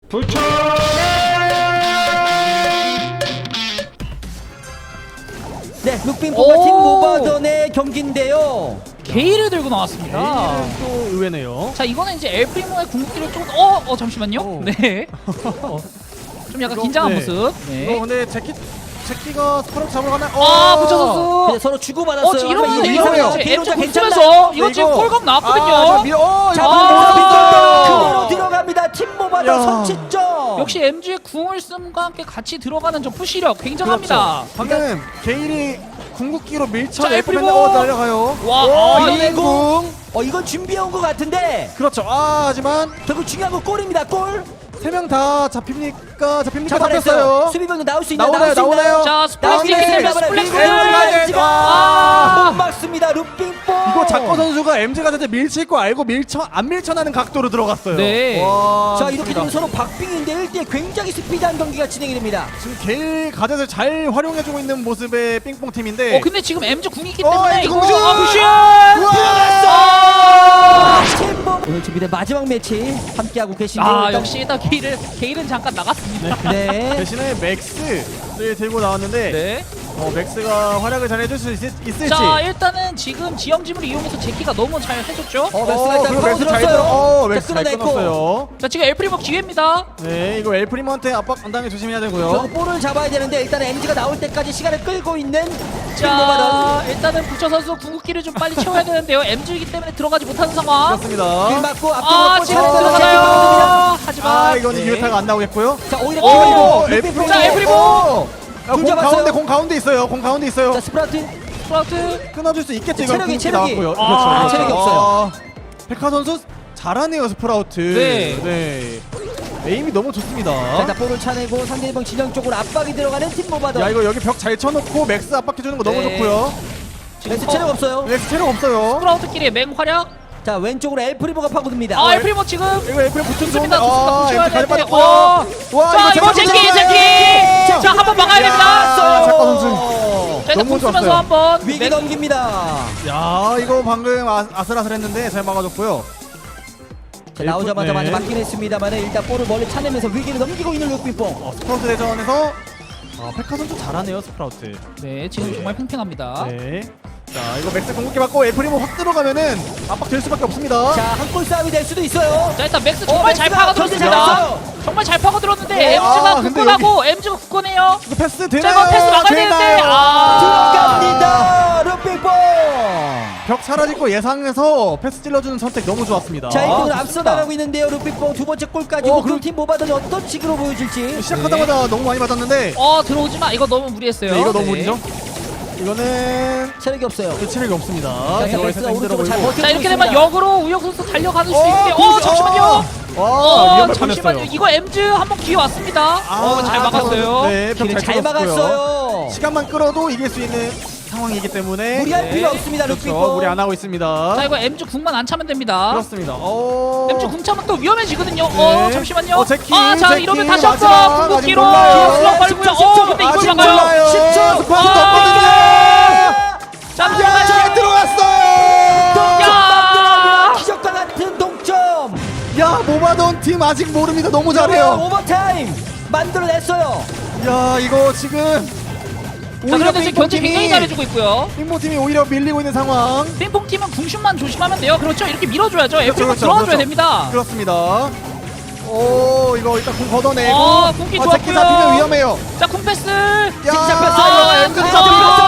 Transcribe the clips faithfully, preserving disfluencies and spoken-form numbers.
부처! 네, 룩빙포가 팀 모바던의 경기인데요. 게일을 들고 나왔습니다. 게일은 또 의외네요. 자, 이거는 이제 엘프리모의 궁극기를 조금 어, 어 잠시만요. 오. 네. 좀 약간 이거, 긴장한 네. 모습. 이거 네. 근데 제키 제키가 스파로 잡으러 가나? 아, 부처 선수. 근데 서로 주고받았어요. 어, 지금 이러면 이거 이러면 이거예요. 이제 비로자 엠지 괜찮나? 붙으면서 이거 네, 지금 이거. 콜감 나왔거든요. 아, 저 밀, 어, 자, 이거 아, 모바던 아, 그대로 들어갑니다. 팀 모바던 야. 선취점. 역시 엠지의 궁을 씀과 함께 같이 들어가는 저 푸시력 굉장합니다. 그렇죠. 방금 게일이 궁극기로 밀쳐 자, 내고 엘프리모. 어, 날려가요. 와, 어, 아, 이런 이거. 궁. 어, 이건 준비해온 것 같은데 그렇죠. 아, 하지만 결국 중요한 건 골입니다. 골. 세 명 다 잡힙니까? 잡힙니까? 잡아냈어요. 잡혔어요. 수비병도 나올 수 있나요? 나오나요? 나올 수 있나요? 나오나요? 자, 스플래시 나오네. 때문에 잡아내- 스플래시. 밀고 아, 지금 아. 못 막습니다. 룩빙포. 이거 작거 선수가 엠지가 진짜 밀칠 거 알고 밀쳐 안 밀쳐나는 각도로 들어갔어요. 네. 와, 자, 이렇게 좋습니다. 되면 서로 박빙인데 일 대 굉장히 스피드한 경기가 진행이 됩니다. 지금 게일 가젯을 잘 활용해주고 있는 모습의 삥뽕 팀인데. 어, 근데 지금 엠지 궁이 있기 어, 때문에 엠지 이거 궁 슛! 아, 푸시! 아, 팀보 오늘 준비된 마지막 매치 함께하고 계신데요. 아, 일단- 역시 일단 게일은 게일은 잠깐 나갔습니다. 네. 대신에 맥스를 들고 나왔는데 네. 어, 맥스가 활약을 잘 해줄 수 있, 있을지. 자, 일단은 지금 지형지물을 이용해서 제키가 너무 잘 해줬죠. 어, 맥스가 일단 그리고 파고 맥스 잘 들었어요. 들어. 어, 자, 맥스 잘 끊어냈고. 끊었어요. 자, 지금 엘프리모 기회입니다. 네, 이거 엘프리먼한테 압박 안 당해 조심해야 되고요. 결국 볼을 잡아야 되는데 일단 엠지가 나올 때까지 시간을 끌고 있는 팀 자, 모바던. 일단은 부처 선수 궁극기를 좀 빨리 채워야 되는데요. 엠지이기 때문에 들어가지 못하는 상황. 그렇습니다. 길 맞고 앞쪽으로 아, 볼 지금 차례대로 들어가나요? 하지만 아, 이거는 네. 기회타가 안 나오겠고요. 자, 오히려 오, 기회로 엘프리모. 자, 엘프리모. 아, 공 잡았어요. 가운데, 공 가운데 있어요. 공 가운데 있어요. 자, 스프라우트. 스프라우트. 끊어줄 수 있겠죠. 이거 체력이, 궁극기 체력이. 나왔고요. 아, 그렇죠. 체력이 아, 없어요. 백화 선수 잘하네요, 스프라우트. 네. 네. 에임이 너무 좋습니다. 자, 일단 볼을 차내고 상대방 진영 쪽으로 압박이 들어가는 팀 모바던. 야, 이거 여기 벽 잘 쳐놓고 맥스 압박해주는 거 너무 네. 좋고요. 맥스 체력 없어요. 맥스 체력 없어요. 스프라우트끼리의 맹활약. 자, 왼쪽으로 엘프리보가 파고듭니다. 아, 엘프리모 지금 이거 엘프리 붙은 좋습니다. 좋은데. 아, 좋습니다. 엠지 잘 붙여야 빠졌고요. 되는데. 와, 자, 이거 제키, 제키, 제키. 자, 한번 막아야 됩니다. 아, 작가 선수. 자, 일단 너무 궁 쓰면서 좋았어요. 한번 위기 맥- 넘깁니다. 야, 이거 방금 아, 아슬아슬했는데 잘 막아줬고요. 자, 나오자마자 네. 많이 맞긴 했습니다만 일단 볼을 멀리 차내면서 위기를 넘기고 있는 룩빙뽕. 어, 스프라우트 대전에서 아, 페카 선수 잘하네요, 스프라우트. 네, 지금 정말 팽팽합니다. 네. 자, 이거 맥스 궁극기 받고 엘프리모 확 들어가면은 압박 될 수밖에 없습니다. 자, 한 골 싸움이 될 수도 있어요. 자, 일단 맥스 어, 정말 잘 맥스가 파고들었습니다. 견제 잘했어요. 정말 잘 파고들었는데 네, 엠지가 아, 근데 굳건하고 엠지가 굳건해요. 이거 패스 자, 되나요? 이거 패스 막아야 되는데 되나요? 아, 들어갑니다. 룩빙뽕. 벽 사라질 거 예상해서 패스 찔러주는 선택 너무 좋았습니다. 자, 일 등으로 아, 앞서 좋습니다. 나가고 있는데요. 룩빙뽕 두 번째 골까지 어, 그팀 모바던이 어떤 식으로 보여줄지. 시작하자마자 너무 많이 받았는데 어, 들어오지 마. 이거 너무 무리했어요. 네, 이거 너무 네. 무리죠? 이거는 체력이 없어요. 체력이 없습니다. 자, 들어가 맥스가 있어서 힘들어 오른쪽으로 잘 보이고. 버텨. 자, 이렇게 되면 역으로 우혁 선수 달려가는 수 어, 있는데 어, 그렇죠. 잠시만요. 와, 어, 위험할 잠시만요. 뻔했어요. 이거 엠지 한번 기회 왔습니다. 아, 어, 잘 막았어요. 네, 길을 벽 잘 잘 막았어요. 막았어요. 시간만 끌어도 이길 수 있는 상황이기 때문에 무리할 네. 필요 없습니다. 그렇죠. 룩빙뽕. 무리 안 하고 있습니다. 자, 이거 엠지 궁만 안 차면 됩니다. 그렇습니다. 어. 엠지 궁 차면 또 위험해지거든요. 네. 어, 잠시만요. 어, 제키, 아, 자, 제키, 이러면 다시 마지막. 한번 궁극기로 아직 몰라요. 슬럭 걸고요. 어, 근데 아직 이걸 막아요. 몰라요. 십 초. 스파이크도 아. 없거든요. 자, 야, 들어가죠. 잘 들어갔어요. 야! 기적과 같은 동점. 야, 모바돈 팀 아직 모릅니다. 너무 잘해요. 오버타임 만들어냈어요. 야, 이거 지금 자, 그런데 지금 견제 굉장히 팀이 잘해주고 있고요. 빙봉 팀이 오히려 밀리고 있는 상황. 핑퐁 팀은 궁슛만 조심하면 돼요. 그렇죠. 이렇게 밀어줘야죠. 에프리모 그렇죠, 들어와줘야 그렇죠. 됩니다. 그렇습니다. 오, 이거 일단 공 걷어내고. 어, 궁기 아, 좋았고요. 제키 잡히면 위험해요. 자, 궁 패스. 야, 잡혔어요. 아, 엠지 아,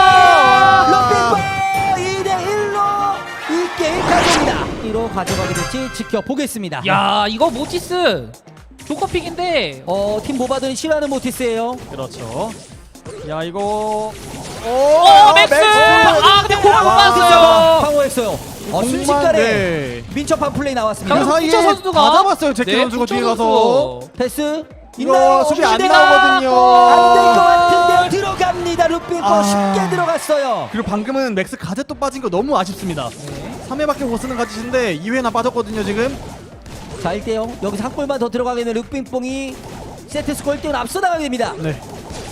잡혔어. 럭빙볼 이 대 일로 이 게임 가져옵니다. 이로 가져가게 될지 지켜보겠습니다. 야, 이거 모티스 조커픽인데. 어, 팀 모바돈이 싫어하는 모티스예요. 그렇죠. 야, 이거 오, 어, 맥스. 아, 근데 공을 못 와. 받았어요. 방어했어요. 어, 공만, 순식간에 네. 민첩한 플레이 나왔습니다. 그 자, 사이에 부처 선수가 다 잡았어요. 제키 네, 선수가 부처 뒤에 선수. 가서. 패스 이거 있나요? 수비 안 시대가 나오거든요. 안 될 것 같은데 들어갑니다. 룩빙볼 아. 쉽게 들어갔어요. 그리고 방금은 맥스 가젯 또 빠진 거 너무 아쉽습니다. 삼 회밖에 못 쓰는 가젯인데 이 회나 빠졌거든요, 지금. 자, 일 대 영. 여기서 한 골만 더 들어가게 되는 룩빙뽕이 세트 스코어 일 대 영으로 앞서 나가게 됩니다. 네.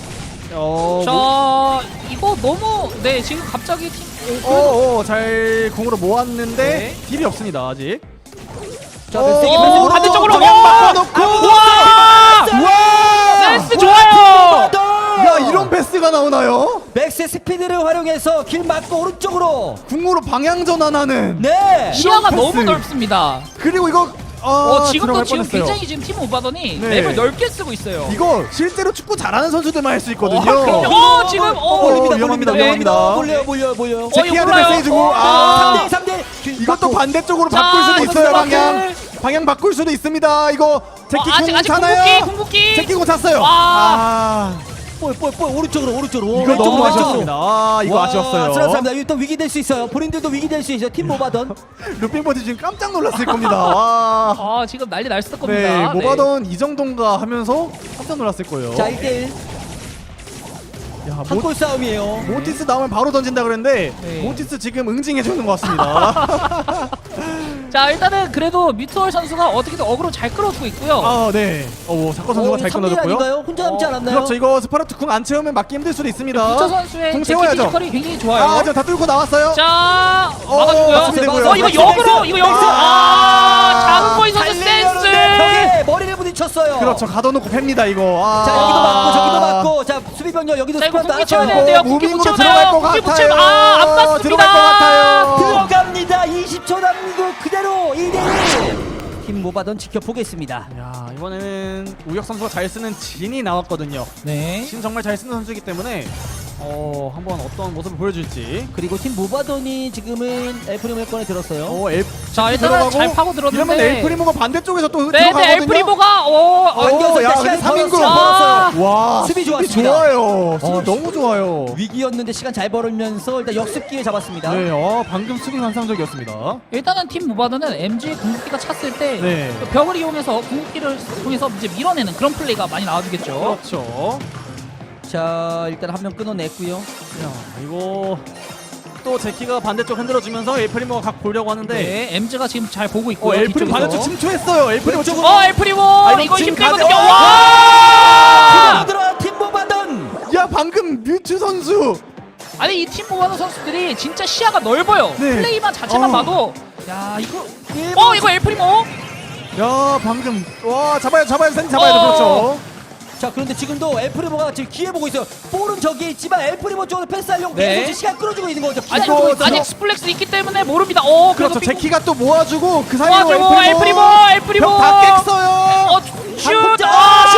어, 자, 뭐, 이거 너무 네 지금 갑자기 팀. 어, 어, 잘 공으로 모았는데 네. 딜이 없습니다, 아직. 자, 어, 세게 어, 패스 반대쪽으로. 방향 어! 바꿔놓고. 와! 위쪽에서 길 막고 오른쪽으로. 궁으로 방향 전환하는. 네. 시야가 패스. 너무 넓습니다. 그리고 이거 아, 어, 지금도 들어갈 지금 뻔했어요. 굉장히 지금 팀 오바더니 네. 맵을 넓게 쓰고 있어요. 이거 실제로 축구 잘하는 선수들만 할 수 있거든요. 어, 그럼요. 어, 지금 어, 몰립니다, 몰립니다, 몰립니다, 몰립니다. 몰립니다. 몰려요, 몰려요, 몰려요. 제 키한테 몰라요. 메시지 주고 어, 아, 삼 대 삼 대. 이것도 반대쪽으로 자, 바꿀 수도 있어요. 이거 방향 방향 바꿀 수도 있습니다. 이거 제키 어, 아직 공 아직 차나요? 궁극기 궁극기. 제키 공 찼어요. 와. 아, 뽀뽀뽀 오른쪽으로 오른쪽으로. 이거 왼쪽으로, 너무 왼쪽으로. 아쉬웠습니다. 아, 이거 와, 아쉬웠어요. 아슬아슬합니다. 이거 또 위기 될 수 있어요. 본인들도 위기 될 수 있어요. 팀 모바던. 루핑버디 지금 깜짝 놀랐을 겁니다. 와. 아, 지금 난리 날 겁니다. 네, 모바던 이 정도인가 하면서 깜짝 놀랐을 거예요. 자, 일 대 일. 야, 모, 한골 싸움이에요. 모티스 나오면 바로 던진다 그랬는데 네. 모티스 지금 응징해 주는 것 같습니다. 자, 일단은 그래도 뮤투얼 선수가 어떻게든 어그로 잘 끌어주고 있고요. 아, 네. 어, 사커 선수가 잘 삼 대 일 끊어줬고요. 아닌가요? 혼자 남지 어, 않았나요? 그렇죠. 이거 스파르트 궁 안 채우면 맞기 힘들 수도 있습니다. 부처 선수의 궁 제키 채워야죠. 피지컬이 굉장히 좋아요. 아, 저 다 뚫고 나왔어요. 자, 어, 막아주고요. 맞습니다, 이거요. 어, 이거 나이스, 역으로, 나이스. 이거 역으로. 아, 아, 장은보이 선수 달리려는데 센스. 벽에 머리를 부딪혔어요. 그렇죠. 가둬놓고 팹니다 이거. 아. 자, 여기도 맞고 저기도 맞고. 자, 수비 병력 여기도 자, 이거 스쿼트 궁기 나왔어요. 채워야 되는데요. 궁기 무빙으로 못 들어갈 채우나요? 것 궁기 못 같아요. 채우. 아, 안 맞습니다. 들어갈 것 같아요. 들어갑니다. 이십 초 남기고 그대로 이 대 일. 팀 모바던 지켜보겠습니다. 야, 이번에는 우혁 선수가 잘 쓰는 진이 나왔거든요. 네. 진 정말 잘 쓰는 선수이기 때문에 어, 한번 어떤 모습을 보여줄지. 그리고 팀 모바던이 지금은 엘프리모 꺼내 들었어요. 어, 엘 자, 일단은 들어가고 잘 파고 이러면 들었는데. 엘프리모가 반대쪽에서 또 네, 들어가거든요. 네, 엘프리모가 오, 어, 안겨서 야, 시간이 근데 삼 인구. 벌었어요. 와, 수비 수비 좋았습니다. 좋아요. 수비 어, 너무 좋아요. 위기였는데 시간 잘 벌으면서 일단 역습 기회 잡았습니다. 네, 어, 방금 수비 환상적이었습니다. 일단은 팀 모바드는 엠지의 궁극기가 찼을 때 네. 그 벽을 이용해서 궁극기를 통해서 이제 밀어내는 그런 플레이가 많이 나와주겠죠. 그렇죠. 자, 일단 한 명 끊어냈고요. 야, 이거 또 제키가 반대쪽 흔들어주면서 엘프리모가 각 보려고 하는데 네, 엠지가 지금 잘 보고 어, 있고요. 엘프리모 뒤쪽에서. 반대쪽 침투했어요. 엘프리모 쪽. 어, 엘프리모 아, 이거 이거 지금 힘들거든요. 가네. 와! 들어 팀 모바던. 야, 방금 뮤츠 선수. 아니 이 팀 모바드 선수들이 진짜 시야가 넓어요. 네. 플레이만 자체만 어. 봐도 야 이거 어 이거 엘프리모 야, 방금 와, 잡아야 잡아야 생 잡아야 돼. 어. 그렇죠. 자, 그런데 지금도 엘프리모가 지금 기회 보고 있어요. 볼은 저기에 있지만 엘프리모 쪽으로 패스하려고 네. 계속 시간 끌어주고 있는 거죠. 아직 기다리고 있어요. 아직 스플렉스 있기 때문에 모릅니다. 어 그래도 그렇죠. 빙- 제키가 또 모아주고 그 사이로 모아주고 엘프리모 엘프리모 벽다 깼어요. 어 슛! 아,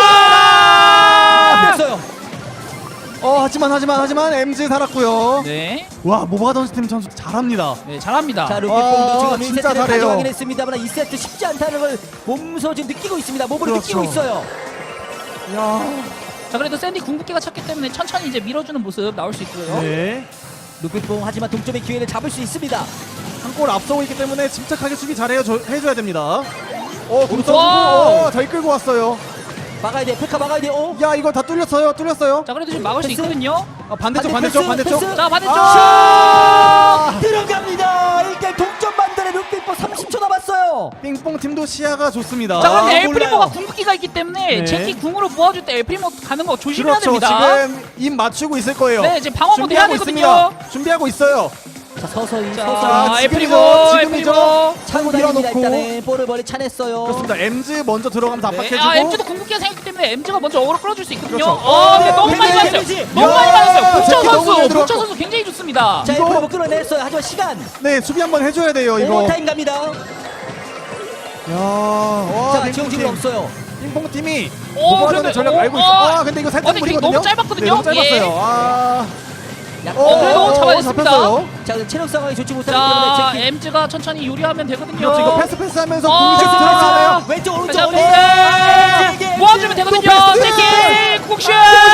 아! 뺐어요. 어, 하지만 하지만 하지만 엠지 살았고요. 네, 와, 모바던 팀 선수 잘합니다. 네 잘합니다. 자, 아, 루키뽕도 지금 일 진짜 세트를 잘해요. 가져가긴 했습니다만 이 세트 쉽지 않다는 걸 몸소 지금 느끼고 있습니다. 몸으로 그렇죠. 느끼고 있어요. 야, 자 그래도 샌디 궁극기가 찼기 때문에 천천히 이제 밀어주는 모습 나올 수 있고요. 네. 루키뽕 하지만 동점의 기회를 잡을 수 있습니다. 한 골 앞서고 있기 때문에 침착하게 수비 잘해요. 줘, 해줘야 됩니다. 어, 공 와. 써주고 어, 잘 끌고 왔어요. 막아야 돼. 페카 막아야 돼. 어? 야, 이거 다 뚫렸어요. 뚫렸어요. 자 그래도 지금 막을 수 패스? 있거든요. 아, 반대쪽 반대 반대쪽 패스, 반대쪽. 패스. 자 반대쪽. 아, 들어갑니다. 일 대 동점 만들의 루키뽕 삼십 초 남았어요. 삥뽕 팀도 시야가 좋습니다. 자 그런데 아, 엘프리모가 몰라요. 궁극기가 있기 때문에 네. 제키 궁으로 모아줄 때 엘프리모 가는 거 조심해야 그렇죠. 됩니다. 지금 입 맞추고 있을 거예요. 네, 지금 방어 모드 해야 준비하고 되거든요. 있습니다. 준비하고 있어요. 자, 서서히 자, 서서히 엘프리모, 지금이죠. 엘프리모. 차고 다닙니다. 밀어놓고. 일단은 볼을 멀리 차냈어요. 그렇습니다. 엠지 먼저 들어가면서 네, 압박해주고. 아 엠지도 궁극기가 생겼기 때문에 엠지가 먼저 어그로 끌어줄 수 있거든요. 그렇죠. 어, 근데 어, 너무 많이 데미지, 맞았어요. 데미지. 너무 많이 야, 맞았어요. 부처 제키 너무 선수, 잘 부처 들어갔고. 선수 굉장히 좋습니다. 자, 이거- 엘프리모 끌어냈어요. 하지만 시간 네, 수비 한번 해줘야 돼요. 이거. 오버타임 갑니다. 야, 와, 자, 빙뽕 지금 지금 팀. 없어요. 빙뽕 팀이 오, 모바던의 근데- 전략 오, 알고 있어. 어. 아, 근데 이거 살짝 어, 근데 그게 무리거든요. 너무 짧았거든요. 네, 너무 짧았어요. 예. 아, 약 어, 어, 그래도 어, 잡아냈습니다. 잡혔어요. 자, 근데 체력 상황이 좋지 못하기 자, 때문에 제키 엠지가 천천히 유리하면 되거든요. 그렇죠. 이거 패스 패스하면서 어, 공식 패스, 들어가네요. 왼쪽 오른쪽 자, 오른쪽 네. 모아주면 되거든요. 패스. 제키 쿡슛.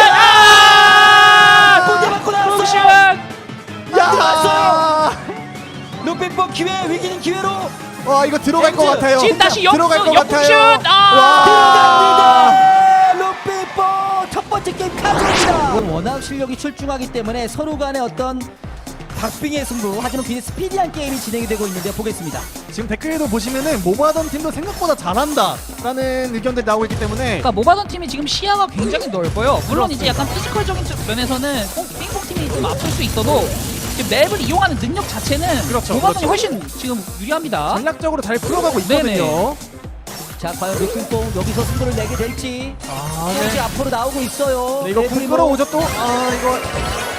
골대 아! 맞고 쿡슛. 나왔어요. 야, 들어왔어요. 루피뽕 기회 위기는 기회로 와, 이거 들어갈 것 엠지. 같아요. 지금 다시 역- 들어갈 것 역슛. 같아요. 아. 들어갑니다. 루피뽕 첫 번째 게임 가져옵니다. 워낙 실력이 출중하기 때문에 서로 간의 어떤 박빙의 승부, 하지만 굉장히 스피디한 게임이 진행이 되고 있는데 보겠습니다. 지금 댓글에도 보시면은 모바던 팀도 생각보다 잘한다라는 의견들이 나오고 있기 때문에 그러니까 모바던 팀이 지금 시야가 굉장히 넓어요. 물론 이제 약간 피지컬적인 면에서는 삥뽕 팀이 좀 앞설 수 있어도 지금 맵을 이용하는 능력 자체는 그렇죠, 모바던이 그렇죠. 훨씬 지금 유리합니다. 전략적으로 잘 풀어가고 있거든요. 자, 과연 루피뽕 여기서 승부를 내게 될지. 아, 네. 네. 앞으로 나오고 있어요. 네, 이거 공 엘프리모. 끌어오죠 또. 아, 이거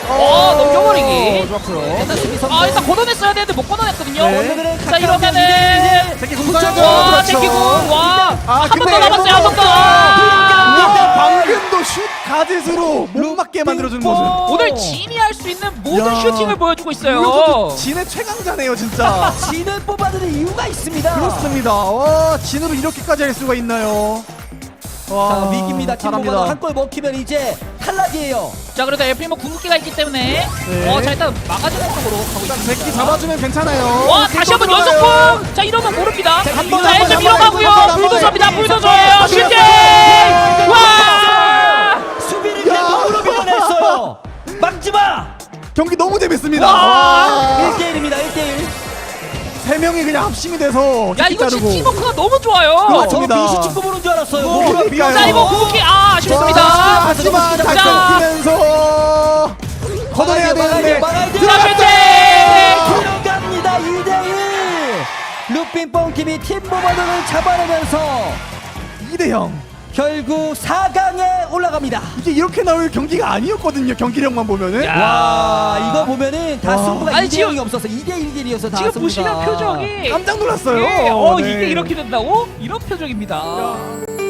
어, 넘겨버리기. 좋았고요. 일단 수비 성공. 아, 일단 걷어냈어야 되는데 못 걷어냈거든요. 네. 오늘은 자, 가까운 이러면은 새끼 그쵸. 공사죠. 와, 제끼고 와, 아, 한 번 근데 더 남았어요. 한 번 더. 와, 아! 방금도 슛 가젯으로 못 맞게 만들어주는 모습. 오늘 진이 할 수 있는 모든 야. 슈팅을 보여주고 있어요. 이것도 진의 최강자네요, 진짜. 진을 뽑아주는 이유가 있습니다. 그렇습니다. 와, 진으로 이렇게까지 할 수가 있나요? 와, 자, 위기입니다. 팀보가 잘합니다. 한 골 먹히면 이제 탈락이에요. 자, 그래도 에프리모 궁극기가 있기 때문에 네. 어, 자, 일단 막아주는 쪽으로 가고 일단 있습니다. 새끼 잡아주면 괜찮아요. 와, 다시 한번 들어가요. 연속풍! 자, 이러면 모릅니다. 자, 자, 한 번, 한 일점 번, 밀어가고요. 한 번, 한 번, 불도저입니다. 한 번. 불도저예요. 한 슈팅! 번. 와! 수비를 야. 대공으로 밀어냈어요. 막지마. 경기 너무 재밌습니다. 와. 와. 일 대 일입니다. 일 대 일. 세 명이 그냥 합심이 돼서 야, 새끼 이거 진짜 자르고. 팀워크가 너무 좋아요. 그렇죠. 저 맞습니다. 민수 축구 보는 줄 알았어요. 어, 몸으로 그러니까요. 자, 이거 궁극기 아, 아쉽습니다. 자, 하지만 자, 잘 끊기면서 걷어내야 되는데 막아야 돼요. 자, 슈팅! 들어갑니다. 이 대 일. 루핀뽕 팀이 팀보버들을 잡아내면서 이 대 영. 결국 사 강에 올라갑니다. 이게 이렇게 나올 경기가 아니었거든요. 경기력만 보면은. 야. 와, 이거 보면은 다 와. 승부가 아니, 이 대 지금- 영이 없어서 이 대 일 일이어서 다 지금 승부가. 보시면 표정이 깜짝 놀랐어요. 예, 어, 네. 이게 이렇게 된다고? 이런 표정입니다.